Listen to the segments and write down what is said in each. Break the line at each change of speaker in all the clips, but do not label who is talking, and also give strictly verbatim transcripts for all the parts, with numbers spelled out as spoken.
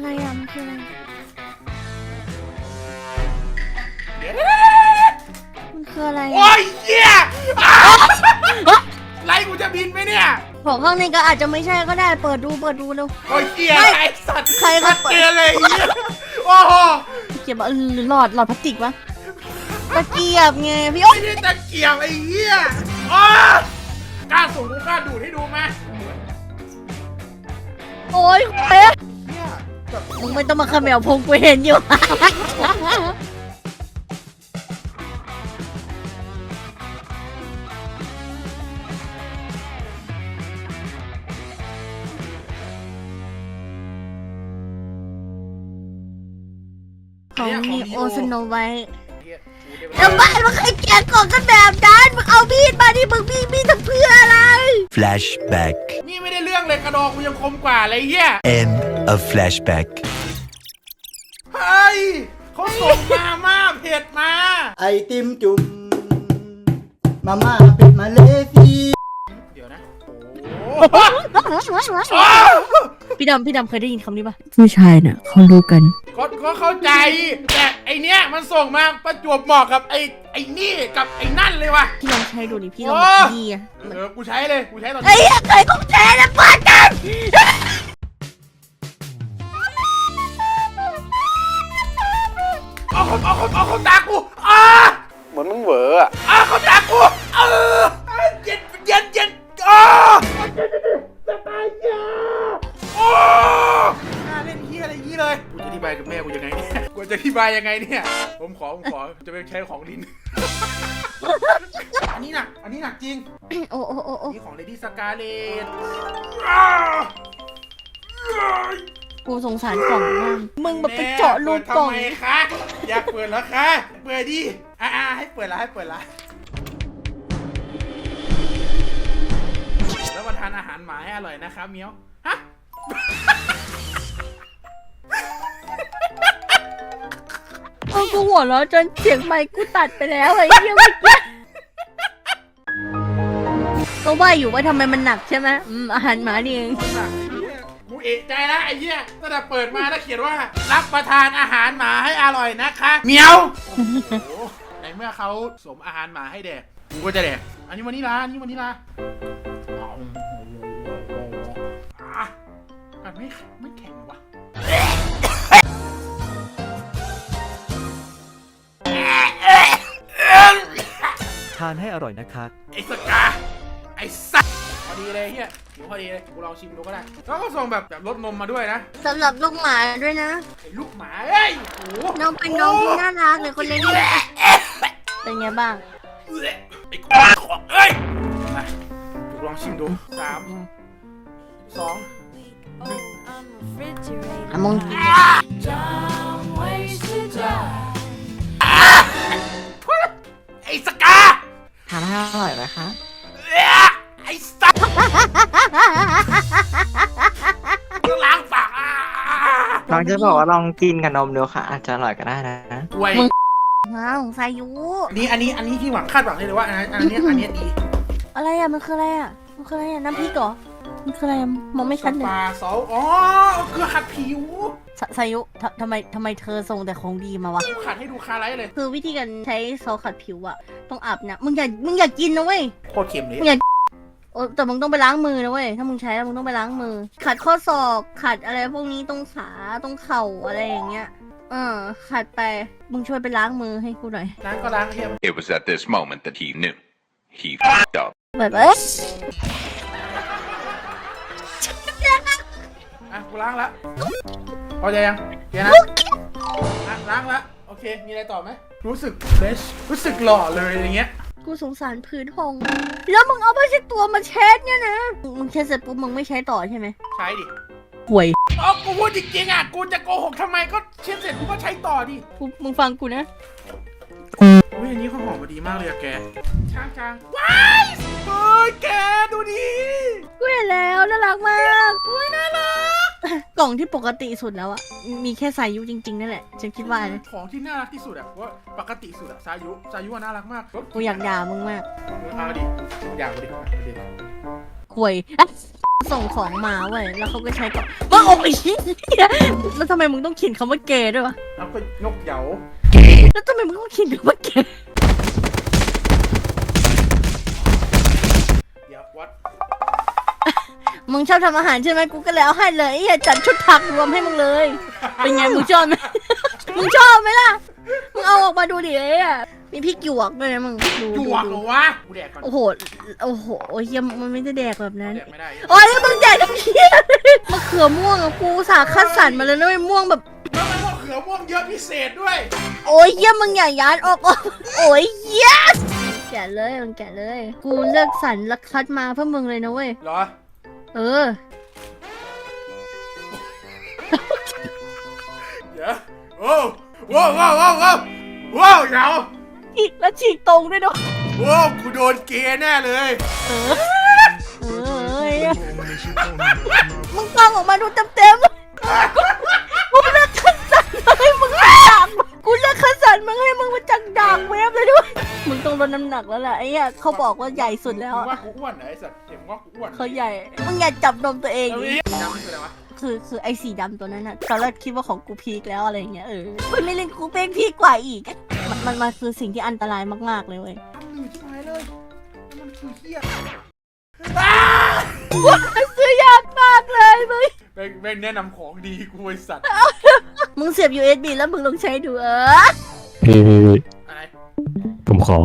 อะไรอ่ะมันคืออะไรมันคืออะไร
โอ้ยเหี้ยไรกูจะบินไหมเนี่ย
ของข้างในก็อาจจะไม่ใช่ก็ได้เปิดดูเปิดดูเร็ว
โอ้ยเหี้ยไอ้สัตว์
ใครก็เปิด
เกลียเลยเหี้ยโอ้โห
เก็บหรือหลอดหลอดพลาสติกวะตะเกียบไงพี่โอ๊
ไม่ได้ตะเกียบไอ้เหี้ยอ๋กล้าสูงกูกล้าดูดให้ดูไหม
โอ๊ยเป๊ะ
เนี่ยแบบ
มึงไม่ต้องมาเขมวพงกูเห็นอยู่ ของมีโอสโนไวท์แล้วบ้านมันใครแกะกล่องกันแบบนั้นมึงเอามีดมาดิมึงมีมีดทำเพื่ออะไร
Flashback.
นี่ไม่ได้เรื่องเลยกระดองกูยังคมกว่าเลยเหี้ย
End of flashback.
เฮ้ยเขาส่งมาม่าเผ็ดมา
ไอติมจุ่มมาม่าเป็ดมาเลฟี
เดี๋ยวนะโอ้โห
พี่ดำพี่ดำเคยได้ยินคำนี้ปะผู้ชายน่ะเขารู้กัน
ก็ก็เข้าใจแต่ไอเนี้ยมันส่งมาประจวบเหมาะกับไอไอนี่กับไอนั่นเลยว่ะ
พี่ลองใช้ดูดิพี่ลองแบบดีอะ
เออกูใช้เลยกูใช้ตอนนี้
ไอ้เหี้ยใครต้องแชร์นะป้าจัน
เอาเขาเอาเขาเอาเขาตากูอ่า
เหมือนมึงเหวออะ
อ่าเขาตากูเออเย็นเย็นเย็นอ่าจะตายยาโอ้น่าเล่นเฮียอะไรอย่างนี้เลยกูจะอธิบายกับแม่กูยังไงเนี่ยกูจะอธิบายยังไงเนี่ยผมขอผมขอจะไปใช้ของลิน อันนี้หนักอันนี้หนักจริง
โอ้โอ้โอ้โอ้
นี่ของเลดี้สกาเลต
กูสงสารกล่องมากมึงแบบไปเจาะรูกล่อง
ทำไมคะอยากเปิดแล้วคะเปิดดิอ่าให้เปิดละให้เปิดละแล้วมาทานอาหารหมาให้อร่อยนะครับเมียวฮะ
เออกูหัวเราะจนเสียงไมค์กูตัดไปแล้วไอ้เหี้ยเมื่อกี้ก็ว่าอยู่ว่าทำไมมันหนักใช่ไหมอืมอาหารหมานี่เอง
กูเอะใจละไอ้เหี้ยตั้งแต่เปิดมาแล้วเขียนว่ารับประทานอาหารหมาให้อร่อยนะคะเมียวโอ้โหในเมื่อเขาสมอาหารหมาให้แดกกูก็จะแดกอันนี้วันนี้ละอันนี้วันนี้ละเอาอ่ะมันไม่ไม่แข็งวะ
ทานให้อร่อยนะคะ
ไอ้สกาไอ้สัสพอดีเลยเฮียหิวพอดีเลยกูลองชิมดูก็ได้แล้วก็ส่งแบบแบบรสนมมาด้วยนะ
สำหรับลูกหมาด้วยนะ
ไอ้ลูกหมาเอ้ยโอ้โห
น้องเป็นน้องที่น่ารักเลยคนเล็กนี่เป็นไงบ้าง
ไอ้ควายของเอ้ยมากูลองชิมดูสามสองหนึ่ง
อ่ะมึงกิน
ไอ้สกา
ทานให้อร่อยนะคะ
ไอ้สัสกูล้างปาก
ลองจะบอกว่าลองกินกับนมดูค่ะ อาจจะอร่อยก็ได้นะ
กล้วย
ว้าวสายุ
อันนี้อันนี้อันนี้ที่หวังคาดหวังเลยว่าอันนี้อันนี้อันนี้ดี
อะไรอ่ะมันคืออะไรอ่ะมันคืออะไรอ่ะน้ำพริกเหรอมันคืออะไรอะมองไม่ชัดเลย
ปลาเสาอ๋อเกลือขัดผิว
สสายุททำไมทำไมเธอส่งแต่ของดีมาวะ
กูขัดให้ดูคาไลท์เลย
คือวิธีการใช้ซอสขัดผิวอะต้องอาบน้ำมึงอย่ามึงอย่ากินนะเว้ย
โคตรเค็มเลย
มึงอย่าโอ้แต่มึงต้องไปล้างมือนะเว้ยถ้ามึงใช้แล้วมึงต้องไปล้างมือ ขัดข้อศอกขัดอะไรพวกนี้ตรงขาตรงเข่าอะไรอย่างเงี้ยเออขัดไปมึงช่วยไปล้างมือให้กูหน่อย
ล้างก็ล้างเค็ม
It was at this moment that he knew. He f***ed up.
แบบเอ๊ะ
อ่ะกูล้างละพอใจยังเดี๋ยวนะอ่ะล้างละโอเคมีอะไรต่อไหมรู้สึกเฟรชรู้สึกหล่อเลยอย่างเงี้ย
กูสงสารพื้นห้องแล้วมึงเอาไปเช็ดตัวมาเช็ดเนี่ยนะมึงเช็ดเสร็จปุ๊บมึงไม่ใช้ต่อใช่ไหม
ใช้ดิ
ห่วย
อ๋อกูพูดจริงๆอ่ะกูจะโกหกทำไมก็เช็ดเสร็จกูก็ใช้ต่อดิ
กูมึงฟังกูนะ
อุ้ยอันนี้เขาหอมมาดีมากเลยอะแกช้างช้างว้ายเฮ้ยแกดูดิ
กูเห็นแล้วน่ารักมากอุ้ยน่ารักกล่องที่ปกติสุดแล้วอะมีแค่สายุจริงๆนั่นแหละฉันคิดว่านะ
ของที่น่ารักที่สุดอะว่าปกติสุดอะสายุสายุอะน่ารักมาก
กูอยากด่ามึงมาก
เอาดิอยากดิเอาดิ
ห่วยส่งของมาเว้ยแล้วเขาก็ใช้กับว่าโอ้ยเหี้ยแล้วทำไมมึงต้องเขียนคำว่าเกย์ด้วยวะ
แล้วก็นกเหยา
แล้วทำไมมึงต้องเขียนคำว่าเกย์
เดี๋ยววัด
มึงชอบทำอาหารใช่ไหมกูก็แล้วให้เลยไอ้เหี้ยจัดชุดผักรวมให้มึงเลย เป็นไงมึงชอบไหม มึงชอบไหมล่ะ มึงเอาออกมาดูดิไอ้อะมีพริกหยวกด้วยนะมึงดู
ห
ดู
ยวก
ดู
เหรอวะกูแดกก่อน
โอ้โห โอ้โหเฮียมันไม่ได้แดกแบบนั้น
แดกไม่ได้
โอ้ยแล้วมึงแดกทั้งเฮียมะเขือม่วงอะกูอุตสาห์คัดสรรมาเลยนะไอ้ม่วงแบบ
แล้วมันม่วงเขือม่วงเยอะพิเศษด้วย
โอ้ยเฮียมึงอย่ายัดออกออกโอ้ยเฮียแกะเลยมึงแกะเลย กูเลือกสรรและคัดมาเพื่อมึงเลยนะเว้ย
เหรอ
เออ
เดี๋ยวโอ้โว้วว้าวว้าวว้าวว้าวเหยา
อีกแล้วฉีกตรงด้วยเนาะ
โว้วกูโดนเกย์แน่เลย
เออ เออเหี้ยมึงฟังออกมาดูเต็มเต็มๆกูเลือกคัดสรรมาให้มึงมาจังกูเลือกคัดสรรมาให้มึงมาจังดังเว็บเลยด้วย มึงต้องลดน้ำหนักแล้วแหละไอ้เหี้ยเขาบอกว่าใหญ่สุดแล้ว
มึงว่ากูอ้วนเหรอไอ้สัตว์เห็นว่ากูอ้วน
เขาใหญ่ มึงอย่าจับนมตัวเอง
เอา
ดิ
ดิจำคืออะไรวะ
คือคือไอ้สีดำตัวนั้นน่ะตอนแรกคิดว่าของกูพีคแล้วอะไรอย่างเงี้ยเออมันไม่เล่นกูเป็นพีคกว่าอีก มันมันมันคือสิ่งที่อันตรายมากๆเลยเว้ย
ทำหนึ่งที่หายเลยมันคือเหี้ย
ซื้อยากมากเลยมึง
แม่งแม่งแนะนำของดีกูไอ้สัตว์
มึงเสียบ ยู เอส บี แล้วมึงลองใช้ดูเออ
พี่พี่พี่
อะไร
ผมขอ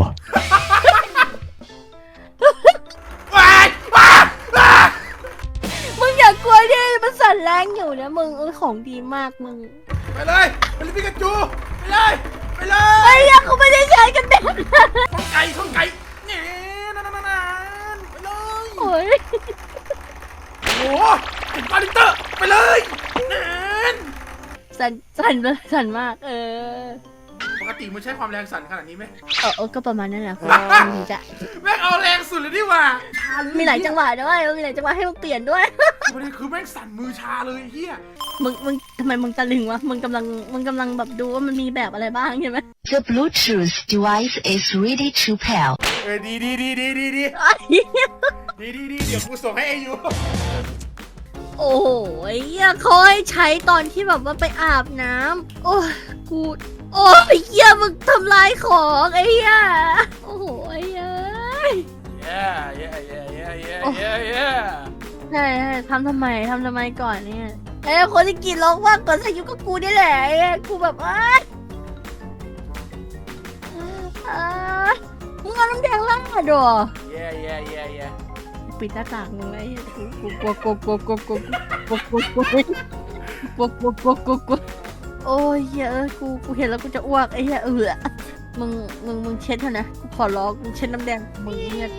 ว้ายว้ายว้าย
มึงอย่ากลัวดิมันสั่นแรงอยู่นะมึงเออของดีมากมึง
ไปเลยไปเลยพิกาจูไปเลยไปเล
ไอ้
ย
ยังเขาไม่ได้ใช้กันแบบนั้น
ข้องไก่ข้องไก่เนี่ยนั่นนั่นนั่นไปเลย
โอ้ย
โอ้โหติดปาลิเตอร์ไปเลยนั่น
สั่นสั่นเลยสั่นมาก เออ
ปกติมันใช้ความแรงสั่นขนาดนี้ไหม
เออเออก็ประมาณนั้นแหละคุณมึงจะ
แม่งเอาแรงสุดเลยดีกว่า
มีหลายจังหวะด้วยมีหลายจังหวะให้มึงเปลี่ยนด้วย
ประเด็นคือแม่งสั่นมือชาเลยเฮีย
มึงมึงทำไมมึงตะลึงวะมึงกำลังมึงกำลังแบบดูว่ามันมีแบบอะไรบ้างใช่ไหม
The Bluetooth device is ready to pair.
เออดีดีดีดีดีดี
ไอ้เหี้ย
ดีดีดีเดี๋ยวกูส่งให้ไอยู
โอ้โหไอ้เหี้ยเขาให้ใช้ตอนที่แบบว่าไปอาบน้ำโอ้ยกูโอ้ยไอ้เหี้ยมึงทำลายของไอ้เหี้ยโอ้โหไอ้เหี้ย
เย้เย้เย้เย้เย้เย้เย้
ใช่ใช่ทำทำไมทำทำไมก่อนเนี่ยไอ้คนที่กินร้องว่างก่อนอายุก็กูนี่แหละไอ้เหี้ยกูแบบอ้ายอ้ายมึงเอาน้ำแดงราดเหรอ
เย้เย้เย้เย้
ปิดหน้าต่างมึงไอ้เหี้ยกูกูกลัวกลัวกลัวกลัวกลัวกลัวกลัวกลัวกลัวกลัวกลัวกลัวกลัวกลัวโอ้ยเหี้ยเอ้ยกูกูเห็นแล้วกูจะอ้วกไอ้เหี้ยเออมึงมึงมึงเช็ดเถอะนะกูขอร้องมึงเช็ดน้ำแดงมึงเนี่ย